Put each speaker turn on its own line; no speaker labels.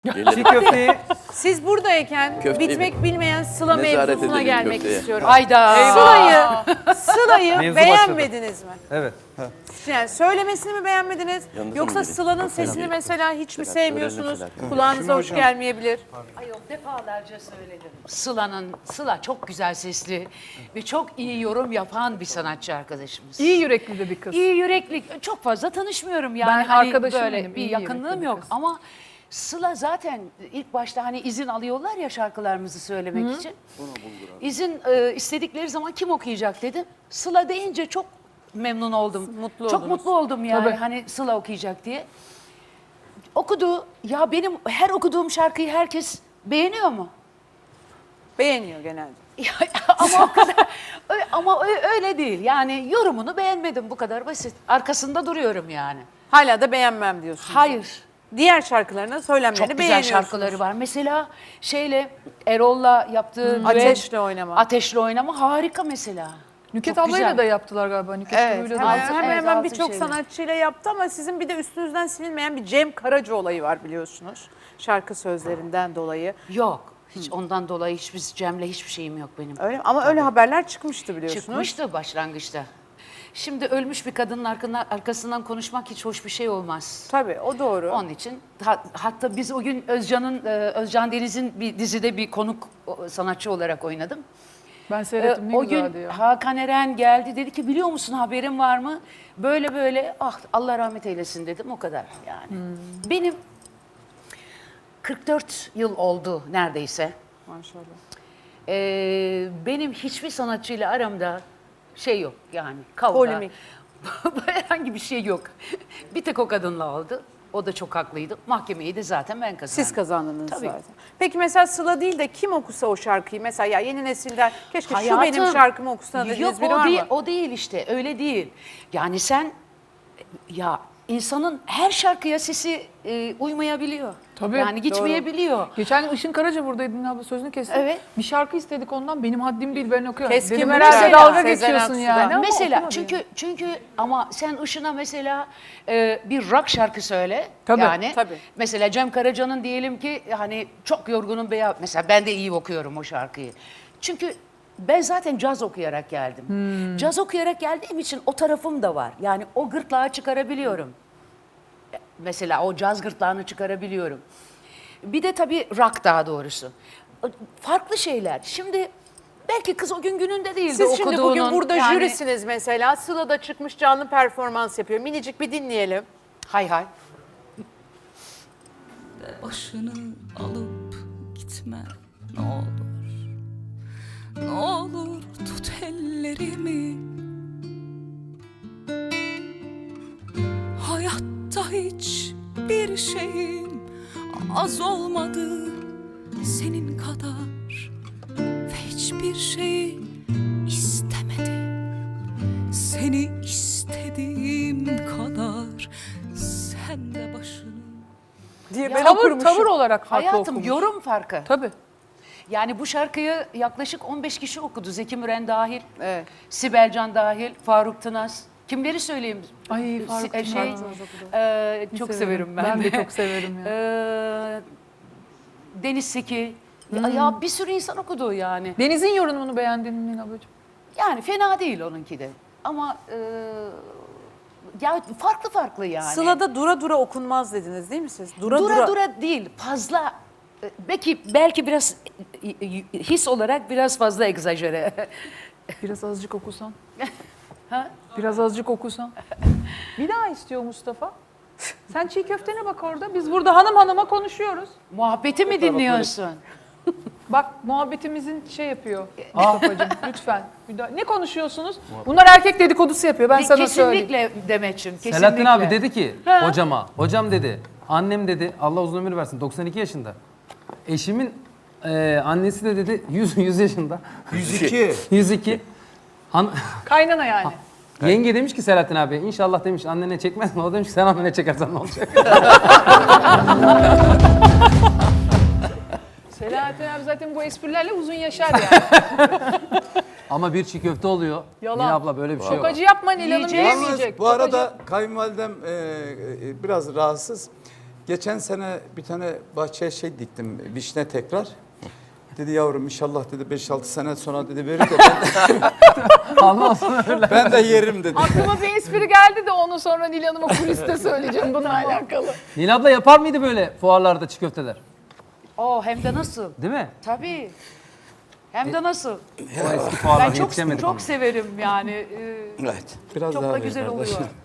Çiğ köfteyi
Siz buradayken
Köfteyi
bitmek bilmeyen Sıla
Nezaret
mevzusuna
edelim
gelmek
köfteye.
istiyorum.
Hayda.
Sıla'yı
Mevzu
beğenmediniz mi?
evet.
Yani söylemesini mi beğenmediniz?
Yanınıza
Yoksa
mı gelin?
Sıla'nın
Selam
sesini
gelin.
mesela hiç mi
Selam,
sevmiyorsunuz?
öğrenin
Kulağınıza hoş gelmeyebilir.
Ay yok, defalarca söyledim. Sıla çok güzel sesli ve çok iyi yorum yapan bir sanatçı arkadaşımız.
İyi yürekli de bir kız.
İyi yürekli. Çok fazla tanışmıyorum yani.
Ben
Hani
arkadaşım
böyle
benim,
bir
iyi
yakınlığım
yürekli bir
yok
kız.
ama Sıla zaten ilk başta hani izin alıyorlar ya şarkılarımızı söylemek için. İzin istedikleri zaman kim okuyacak dedim. Sıla deyince çok memnun oldum.
Mutlu
çok
oldunuz.
mutlu oldum yani
Tabii.
hani Sıla okuyacak diye. Okudu. Ya benim her okuduğum şarkıyı herkes beğeniyor mu?
Beğeniyor genelde.
Ya, ama o kadar ama öyle değil. Yani yorumunu beğenmedim, bu kadar basit. Arkasında duruyorum yani.
Hala da beğenmem diyorsunuz.
Hayır.
Diğer şarkılarının söylemlerini
Çok güzel
beğeniyorsunuz.
şarkıları var. Mesela Erol'la yaptığı düet,
Ateşle Oynama.
Ateşle Oynama harika mesela.
Nüket
Çok
ablayla
güzel.
da yaptılar galiba. Nüket
Evet,
Duru'yla
hemen
da.
hemen,
evet,
hemen
altın
birçok
şeyle.
sanatçıyla yaptı ama sizin bir de üstünüzden silinmeyen bir Cem Karaca olayı var biliyorsunuz. Şarkı sözlerinden dolayı.
Yok. Hiç ondan dolayı Cem'le hiçbir şeyim yok benim.
Öyle mi? Ama öyle haberler çıkmıştı biliyorsunuz.
Çıkmıştı başlangıçta. Şimdi ölmüş bir kadının arkasından konuşmak hiç hoş bir şey olmaz.
Tabii o doğru.
Onun için hatta biz o gün Özcan Deniz'in bir dizide bir konuk sanatçı olarak oynadım.
Ben seyrettim ne
O
güzeldi
gün
ya.
Hakan Eren geldi, dedi ki biliyor musun, haberin var mı? Böyle böyle, ah Allah rahmet eylesin dedim, o kadar yani. Benim 44 yıl oldu neredeyse.
Maşallah.
Benim hiçbir sanatçıyla aramda şey yok yani, kavga.
Polemik.
Herhangi bir şey yok. Bir tek o kadınla oldu. O da çok haklıydı. Mahkemeyi de zaten ben kazandım.
Siz kazandınız
Tabii.
zaten. Peki mesela Sıla değil de kim okusa o şarkıyı? Mesela ya yeni nesilden keşke şu
Hayatım,
benim şarkımı okusana dediğiniz
yok,
biri var
değil,
mı?
o değil işte, öyle değil. Yani sen, ya insanın her şarkıya sesi uymayabiliyor.
Tabii,
yani gitmeyebiliyor.
Geçen gün Işın Karaca buradaydı Dinle abla, sözünü kestim.
Evet.
Bir şarkı istedik ondan, benim haddim değil, ben okuyorum.
Keskin
Dedim
Bıçak.
herhalde dalga
Sezen
geçiyorsun
Aksu'dan.
yani. Ama
Mesela
okumadı
çünkü ama sen Işın'a mesela bir rock şarkı söyle.
Tabii,
yani.
tabii.
Mesela Cem Karaca'nın diyelim ki hani çok yorgunum veya mesela ben de iyi okuyorum o şarkıyı. Çünkü ben zaten caz okuyarak geldim. Caz okuyarak geldiğim için o tarafım da var. Yani o gırtlağı çıkarabiliyorum. Mesela o caz gırtlağını çıkarabiliyorum. Bir de tabii rock, daha doğrusu. Farklı şeyler. Şimdi belki kız o gün gününde değildi
Siz şimdi bugün
okuduğunun.
burada
Yani-
jürisiniz mesela. Sıla da çıkmış canlı performans yapıyor. Minicik bir dinleyelim.
Hay hay.
Başını alıp gitme ne olur. Ne olur tut ellerimi. Hayatta hiç bir şeyim az olmadı senin kadar. Ve hiçbir şey istemedim seni istediğim kadar. Sen de başını
Diye ben
Tavır,
okurmuşum.
tavır olarak farklı
Hayatım,
okumuş.
yorum farkı.
Tabii.
Yani bu şarkıyı yaklaşık 15 kişi okudu. Zeki Müren dahil,
Evet.
Sibel Can dahil, Faruk Tınaz. Kimleri söyleyeyim?
Ay Faruk
Si-
Tınaz
çok severim ben.
Ben de çok severim ya.
Deniz Seki. Ya bir sürü insan okudu yani.
Deniz'in yorumunu beğendin mi Nil ablacığım?
Yani fena değil onunki de. Ama ya farklı yani.
Sıla'da dura dura okunmaz dediniz değil mi siz?
Dura değil, fazla, belki biraz his olarak biraz fazla egzajere.
Biraz azıcık okusan.
Ha?
Biraz azıcık okusan. Bir daha istiyor Mustafa. Sen çiğ köftene bak orada. Biz burada hanım hanıma konuşuyoruz.
Muhabbeti mi dinliyorsun?
Bak muhabbetimizin şey yapıyor Mustafa'cığım lütfen. Ne konuşuyorsunuz? Bunlar erkek dedikodusu yapıyor, ben sana söyleyeyim.
Kesinlikle Demet'ciğim, kesinlikle.
Selahattin abi dedi ki hocama, hocam dedi, annem dedi, Allah uzun ömür versin, 92 yaşında. Eşimin annesi de dedi 100 yaşında.
102.
102.
Kaynana yani.
Yenge demiş ki Selahattin abi, inşallah demiş annene çekmez mi? O demiş ki sen annene çekersen ne olacak?
Selahattin abi zaten bu esprilerle uzun yaşar yani.
Ama bir çiğ köfte oluyor.
Yalan.
Nil abla böyle bir şey
Çok
yok.
acı yapma Nil Hanım,
Yiyeceğiz.
yiyemeyecek.
Bu arada kayınvalidem biraz rahatsız.
Geçen sene bir tane bahçeye şey diktim, vişne tekrar. Dedi yavrum inşallah dedi 5-6 sene sonra dedi verir de
Allah uzun ömürler.
ben de yerim dedi.
Aklıma bir espri geldi de onu sonra Nil Hanım'a kuliste söyleyeceğim bununla alakalı.
Nil abla yapar mıydı böyle fuarlarda çiğ köfteler?
Hem de nasıl?
Değil mi?
Tabii. Hem de nasıl?
O eski fuarlara
Ben çok
yetişemedik ama.
severim yani.
Evet. Biraz
Çok
daha
da
ver
güzel
kardeşim.
oluyor.